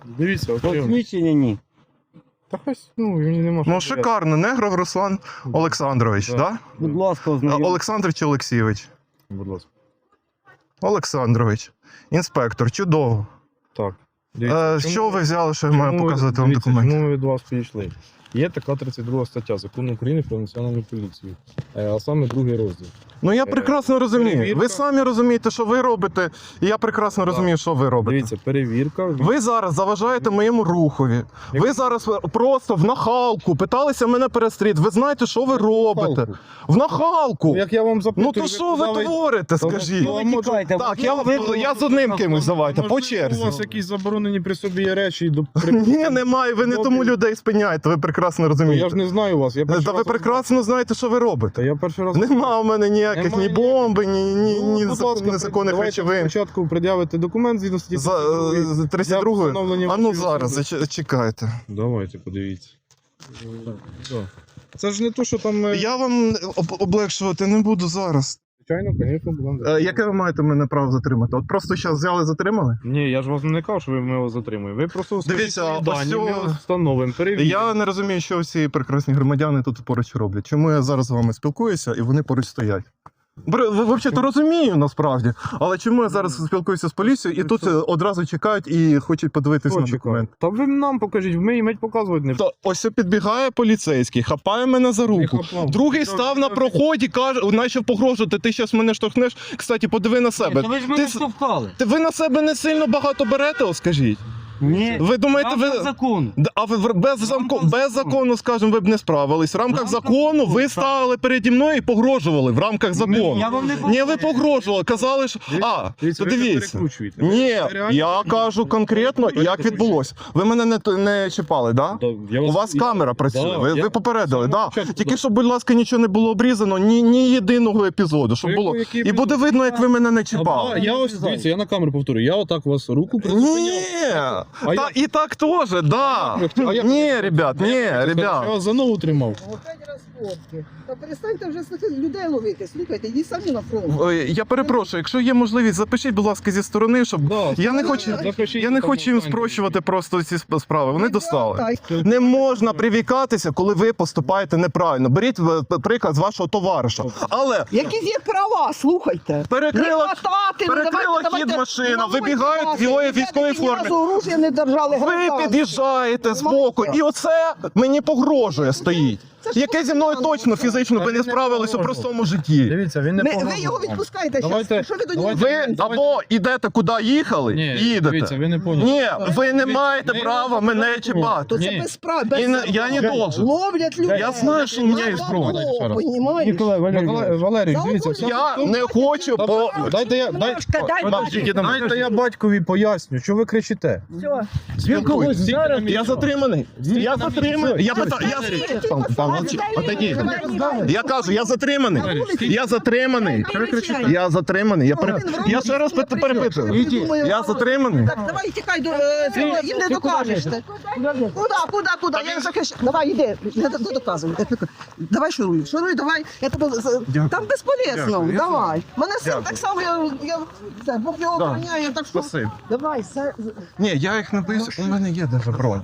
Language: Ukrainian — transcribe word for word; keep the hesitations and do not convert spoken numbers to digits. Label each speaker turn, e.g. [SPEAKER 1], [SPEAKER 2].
[SPEAKER 1] Дивіться, от прийом.
[SPEAKER 2] Посвідчення ні.
[SPEAKER 1] Та хтось, ну, мені нема що
[SPEAKER 3] Ну,
[SPEAKER 1] сказати.
[SPEAKER 3] шикарно. Негров Руслан Олександрович, так?
[SPEAKER 1] Да.
[SPEAKER 3] Да?
[SPEAKER 2] Будь ласка,
[SPEAKER 3] А,
[SPEAKER 2] ознайомтесь.
[SPEAKER 3] Олександр чи Олексійович?
[SPEAKER 1] Будь ласка.
[SPEAKER 3] Олександрович. Інспектор, чудово.
[SPEAKER 1] Так.
[SPEAKER 3] Е,
[SPEAKER 1] чому-
[SPEAKER 3] що ви взяли, що я маю
[SPEAKER 1] чому ви-
[SPEAKER 3] показати вам
[SPEAKER 1] дивіться,
[SPEAKER 3] документи?
[SPEAKER 1] Чому ми від вас підійшли? Є така тридцять друга стаття Закону України про національну поліцію, е, а саме другий розділ.
[SPEAKER 3] Ну я прекрасно розумію.
[SPEAKER 1] перевірка.
[SPEAKER 3] Ви самі розумієте, що ви робите, і я прекрасно розумію, що ви робите.
[SPEAKER 1] Дивіться, перевірка.
[SPEAKER 3] Ви зараз заважаєте моєму рухові. Ви
[SPEAKER 1] Як-
[SPEAKER 3] зараз просто в нахалку питалися мене перестріти. Ви знаєте, що ви робите? В нахалку!
[SPEAKER 1] Ну, як я вам запитую,
[SPEAKER 3] Ну то що ви
[SPEAKER 1] куди
[SPEAKER 3] творите,
[SPEAKER 1] Та ви-
[SPEAKER 3] скажіть?
[SPEAKER 1] Ну,
[SPEAKER 2] Ви
[SPEAKER 1] може-
[SPEAKER 2] тікайте.
[SPEAKER 3] Так, я,
[SPEAKER 2] Ви-
[SPEAKER 3] я з одним кимось давайте, по
[SPEAKER 1] Можливо,
[SPEAKER 3] черзі.
[SPEAKER 1] у вас якісь заборонені при собі є речі і до
[SPEAKER 3] Ні, немає, ви не
[SPEAKER 1] Добре.
[SPEAKER 3] тому людей спиняєте, ви прекрасно
[SPEAKER 1] Я
[SPEAKER 3] розумієте.
[SPEAKER 1] ж не знаю вас. Я перший
[SPEAKER 3] Та ви
[SPEAKER 1] раз-
[SPEAKER 3] прекрасно знаєте, що ви
[SPEAKER 1] Та
[SPEAKER 3] робите.
[SPEAKER 1] я перший раз.
[SPEAKER 3] Нема у мене ніяких
[SPEAKER 1] Немає
[SPEAKER 3] ні бомби, ні, ні,
[SPEAKER 1] Ну,
[SPEAKER 3] ні
[SPEAKER 1] будь
[SPEAKER 3] закон-
[SPEAKER 1] ласка,
[SPEAKER 3] незаконних
[SPEAKER 1] давайте
[SPEAKER 3] речовин.
[SPEAKER 1] Спочатку пред'явити документ згідно статті
[SPEAKER 3] За,
[SPEAKER 1] тридцять
[SPEAKER 3] з
[SPEAKER 1] другої.
[SPEAKER 3] тридцять
[SPEAKER 1] Для
[SPEAKER 3] другої?
[SPEAKER 1] встановлення
[SPEAKER 3] А ну
[SPEAKER 1] вашої
[SPEAKER 3] зараз,
[SPEAKER 1] особи.
[SPEAKER 3] зач- чекайте.
[SPEAKER 1] Давайте, подивіться. Так. Це ж не то, що там. е,
[SPEAKER 3] Я вам об- облегшувати не буду зараз.
[SPEAKER 1] Звичайно, звісно, будемо.
[SPEAKER 3] Е, Яке ви маєте мене право затримати? От просто зараз взяли, затримали?
[SPEAKER 1] Ні, я ж вас не казав, що ви мене затримуєте. Ви просто скажіть
[SPEAKER 3] Дивіться,
[SPEAKER 1] свої
[SPEAKER 3] ось
[SPEAKER 1] дані,
[SPEAKER 3] цього-
[SPEAKER 1] ми встановимо, перевіримо.
[SPEAKER 3] Я не розумію, що всі прекрасні громадяни тут поруч роблять. Чому я зараз з вами спілкуюся і вони поруч стоять? Бр- ви взагалі то розумію насправді, але чому я зараз спілкуюся з поліцією і тут е, одразу чекають і хочуть подивитися
[SPEAKER 1] Хто
[SPEAKER 3] на
[SPEAKER 1] чекає?
[SPEAKER 3] документ?
[SPEAKER 1] Та ви нам покажіть, ми їм показувати не
[SPEAKER 3] То ось підбігає поліцейський, хапає мене за руку.
[SPEAKER 1] хапав.
[SPEAKER 3] Другий
[SPEAKER 1] Та-
[SPEAKER 3] став на проході, каже, наче погрожувати, ти зараз мене штовхнеш. Кстати, подиви на себе.
[SPEAKER 2] Та ви ж
[SPEAKER 3] Ти,
[SPEAKER 2] мене
[SPEAKER 3] с-
[SPEAKER 2] штовхали.
[SPEAKER 3] ти ви на себе не сильно багато берете, о, скажіть?
[SPEAKER 2] Ні.
[SPEAKER 3] Ви думаєте,
[SPEAKER 2] Рамках
[SPEAKER 3] ви.
[SPEAKER 2] закону.
[SPEAKER 3] Д- А ви в- без, замку, без закону, скажімо, ви б не справились. В рамках
[SPEAKER 2] рамках
[SPEAKER 3] закону ви
[SPEAKER 2] закону,
[SPEAKER 3] стали переді мною і погрожували в рамках закону.
[SPEAKER 2] Я вам не
[SPEAKER 3] Ні, ви погрожували, казали, що. А,
[SPEAKER 1] Дивіться,
[SPEAKER 3] то
[SPEAKER 1] ви це
[SPEAKER 3] дивіться.
[SPEAKER 1] перекручуєте.
[SPEAKER 3] Ні,
[SPEAKER 1] Це реально
[SPEAKER 3] я
[SPEAKER 1] перекручуєте.
[SPEAKER 3] кажу конкретно, як
[SPEAKER 1] Перекручуєте.
[SPEAKER 3] відбулося. Ви мене не, т- не чіпали, так? Да?
[SPEAKER 1] Да, я
[SPEAKER 3] У вас
[SPEAKER 1] я-
[SPEAKER 3] камера працює,
[SPEAKER 1] Да,
[SPEAKER 3] ви,
[SPEAKER 1] я-
[SPEAKER 3] ви попередили,
[SPEAKER 1] З
[SPEAKER 3] да.
[SPEAKER 1] самого початку,
[SPEAKER 3] Тільки
[SPEAKER 1] да.
[SPEAKER 3] щоб, будь ласка, нічого не було обрізано, ні, ні єдиного епізоду, щоб
[SPEAKER 1] Який-
[SPEAKER 3] було.
[SPEAKER 1] який
[SPEAKER 3] І буде видно, як ви мене не
[SPEAKER 1] А,
[SPEAKER 3] чіпали.
[SPEAKER 1] я ось, дивіться, я на камеру повторю, я отак у вас руку призупиняв.
[SPEAKER 3] Ні,
[SPEAKER 1] А
[SPEAKER 3] та,
[SPEAKER 1] я-
[SPEAKER 3] і так теж, да.
[SPEAKER 1] А я-
[SPEAKER 3] Ні, ребят, ні,
[SPEAKER 1] Я
[SPEAKER 3] ребят.
[SPEAKER 1] вас за ногу тримав.
[SPEAKER 4] Опять розпорки. Та перестаньте вже слухати, людей ловити. Слухайте, йдіть самі на фронт.
[SPEAKER 3] Ой, я перепрошую, якщо є можливість, запишіть, будь ласка, зі сторони, щоб.
[SPEAKER 1] Да,
[SPEAKER 3] Я не хочу,
[SPEAKER 1] запишіть,
[SPEAKER 3] я не
[SPEAKER 1] там
[SPEAKER 3] хочу їм
[SPEAKER 1] останнє.
[SPEAKER 3] спрощувати просто ці сп- справи. Вони достали.
[SPEAKER 4] Та,
[SPEAKER 3] Не можна привікатися, коли ви поступаєте неправильно. Беріть е, приклад з вашого товариша. Але
[SPEAKER 4] Які є права, слухайте.
[SPEAKER 3] перекрила,
[SPEAKER 4] Не хватати, ну,
[SPEAKER 3] перекрила
[SPEAKER 4] давайте,
[SPEAKER 3] хід
[SPEAKER 4] давайте,
[SPEAKER 3] машина,
[SPEAKER 4] ну,
[SPEAKER 3] вибігають
[SPEAKER 4] давайте,
[SPEAKER 3] в його
[SPEAKER 4] ребята,
[SPEAKER 3] військовій
[SPEAKER 4] які ні
[SPEAKER 3] формі.
[SPEAKER 4] разу оружия не держали.
[SPEAKER 3] Ви
[SPEAKER 4] гражданські.
[SPEAKER 3] під'їжджаєте з боку, і оце мені погрожує стоїть.
[SPEAKER 4] Це ж
[SPEAKER 3] Яке зі мною точно фізично би не справились у простому житті.
[SPEAKER 1] Дивіться, він не
[SPEAKER 4] Ми-
[SPEAKER 1] погрожував
[SPEAKER 4] ви його
[SPEAKER 1] вам.
[SPEAKER 4] відпускаєте
[SPEAKER 1] Давайте-
[SPEAKER 4] зараз. Що ви до нього?
[SPEAKER 1] давайте-
[SPEAKER 3] Ви або йдете куди їхали,
[SPEAKER 1] Ні,
[SPEAKER 3] і їдете.
[SPEAKER 1] дивіться, ви не поняли.
[SPEAKER 3] Ні, ви не
[SPEAKER 1] Дивіться,
[SPEAKER 3] маєте
[SPEAKER 1] ми
[SPEAKER 3] права
[SPEAKER 1] його
[SPEAKER 3] мене
[SPEAKER 1] не
[SPEAKER 3] чіпати.
[SPEAKER 4] То це
[SPEAKER 1] Ні.
[SPEAKER 4] без прав,
[SPEAKER 3] І
[SPEAKER 4] без
[SPEAKER 3] не- я не должен.
[SPEAKER 4] Ловлять людей.
[SPEAKER 3] Я знаю, що у мене є
[SPEAKER 4] На
[SPEAKER 3] зброя.
[SPEAKER 4] бабло,
[SPEAKER 1] Ще раз.
[SPEAKER 4] понімаєш?
[SPEAKER 1] Ніколай Валерійович, Валерій,
[SPEAKER 4] За
[SPEAKER 1] дивіться,
[SPEAKER 4] алкоголь.
[SPEAKER 1] вся-
[SPEAKER 3] Я не хочу по.
[SPEAKER 1] Дайте я, дай,
[SPEAKER 4] Дай- дай
[SPEAKER 1] Подождіть,
[SPEAKER 4] батьку.
[SPEAKER 1] дайте я батькові поясню, що ви кричите.
[SPEAKER 4] Все.
[SPEAKER 3] Спілкуйтесь.
[SPEAKER 1] зараз-
[SPEAKER 3] Я затриманий. Я затриманий. Я питаю. Я... Там, там, молчи. Отойди. Я кажу, я затриманий. Я затриманий. Я затриманий. Я, пере... я ще раз пит- перепитую. Я затриманий.
[SPEAKER 4] Так, давай тікай до е, цього, їм не докажеш. ти. Куди, куди, куди? Я захищаю. Давай, йди, не, не доказуй. Давай шуруй, шуруй, давай. Я тебе з- там безполезно.
[SPEAKER 3] Дякую.
[SPEAKER 4] Давай. Мене син
[SPEAKER 3] Дякую.
[SPEAKER 4] так само, я, я це, Бог його
[SPEAKER 3] Да.
[SPEAKER 4] охороняє, так що.
[SPEAKER 3] Спасибо.
[SPEAKER 4] Давай, все.
[SPEAKER 3] Ні, я їх не боюся, у мене є даже бронь.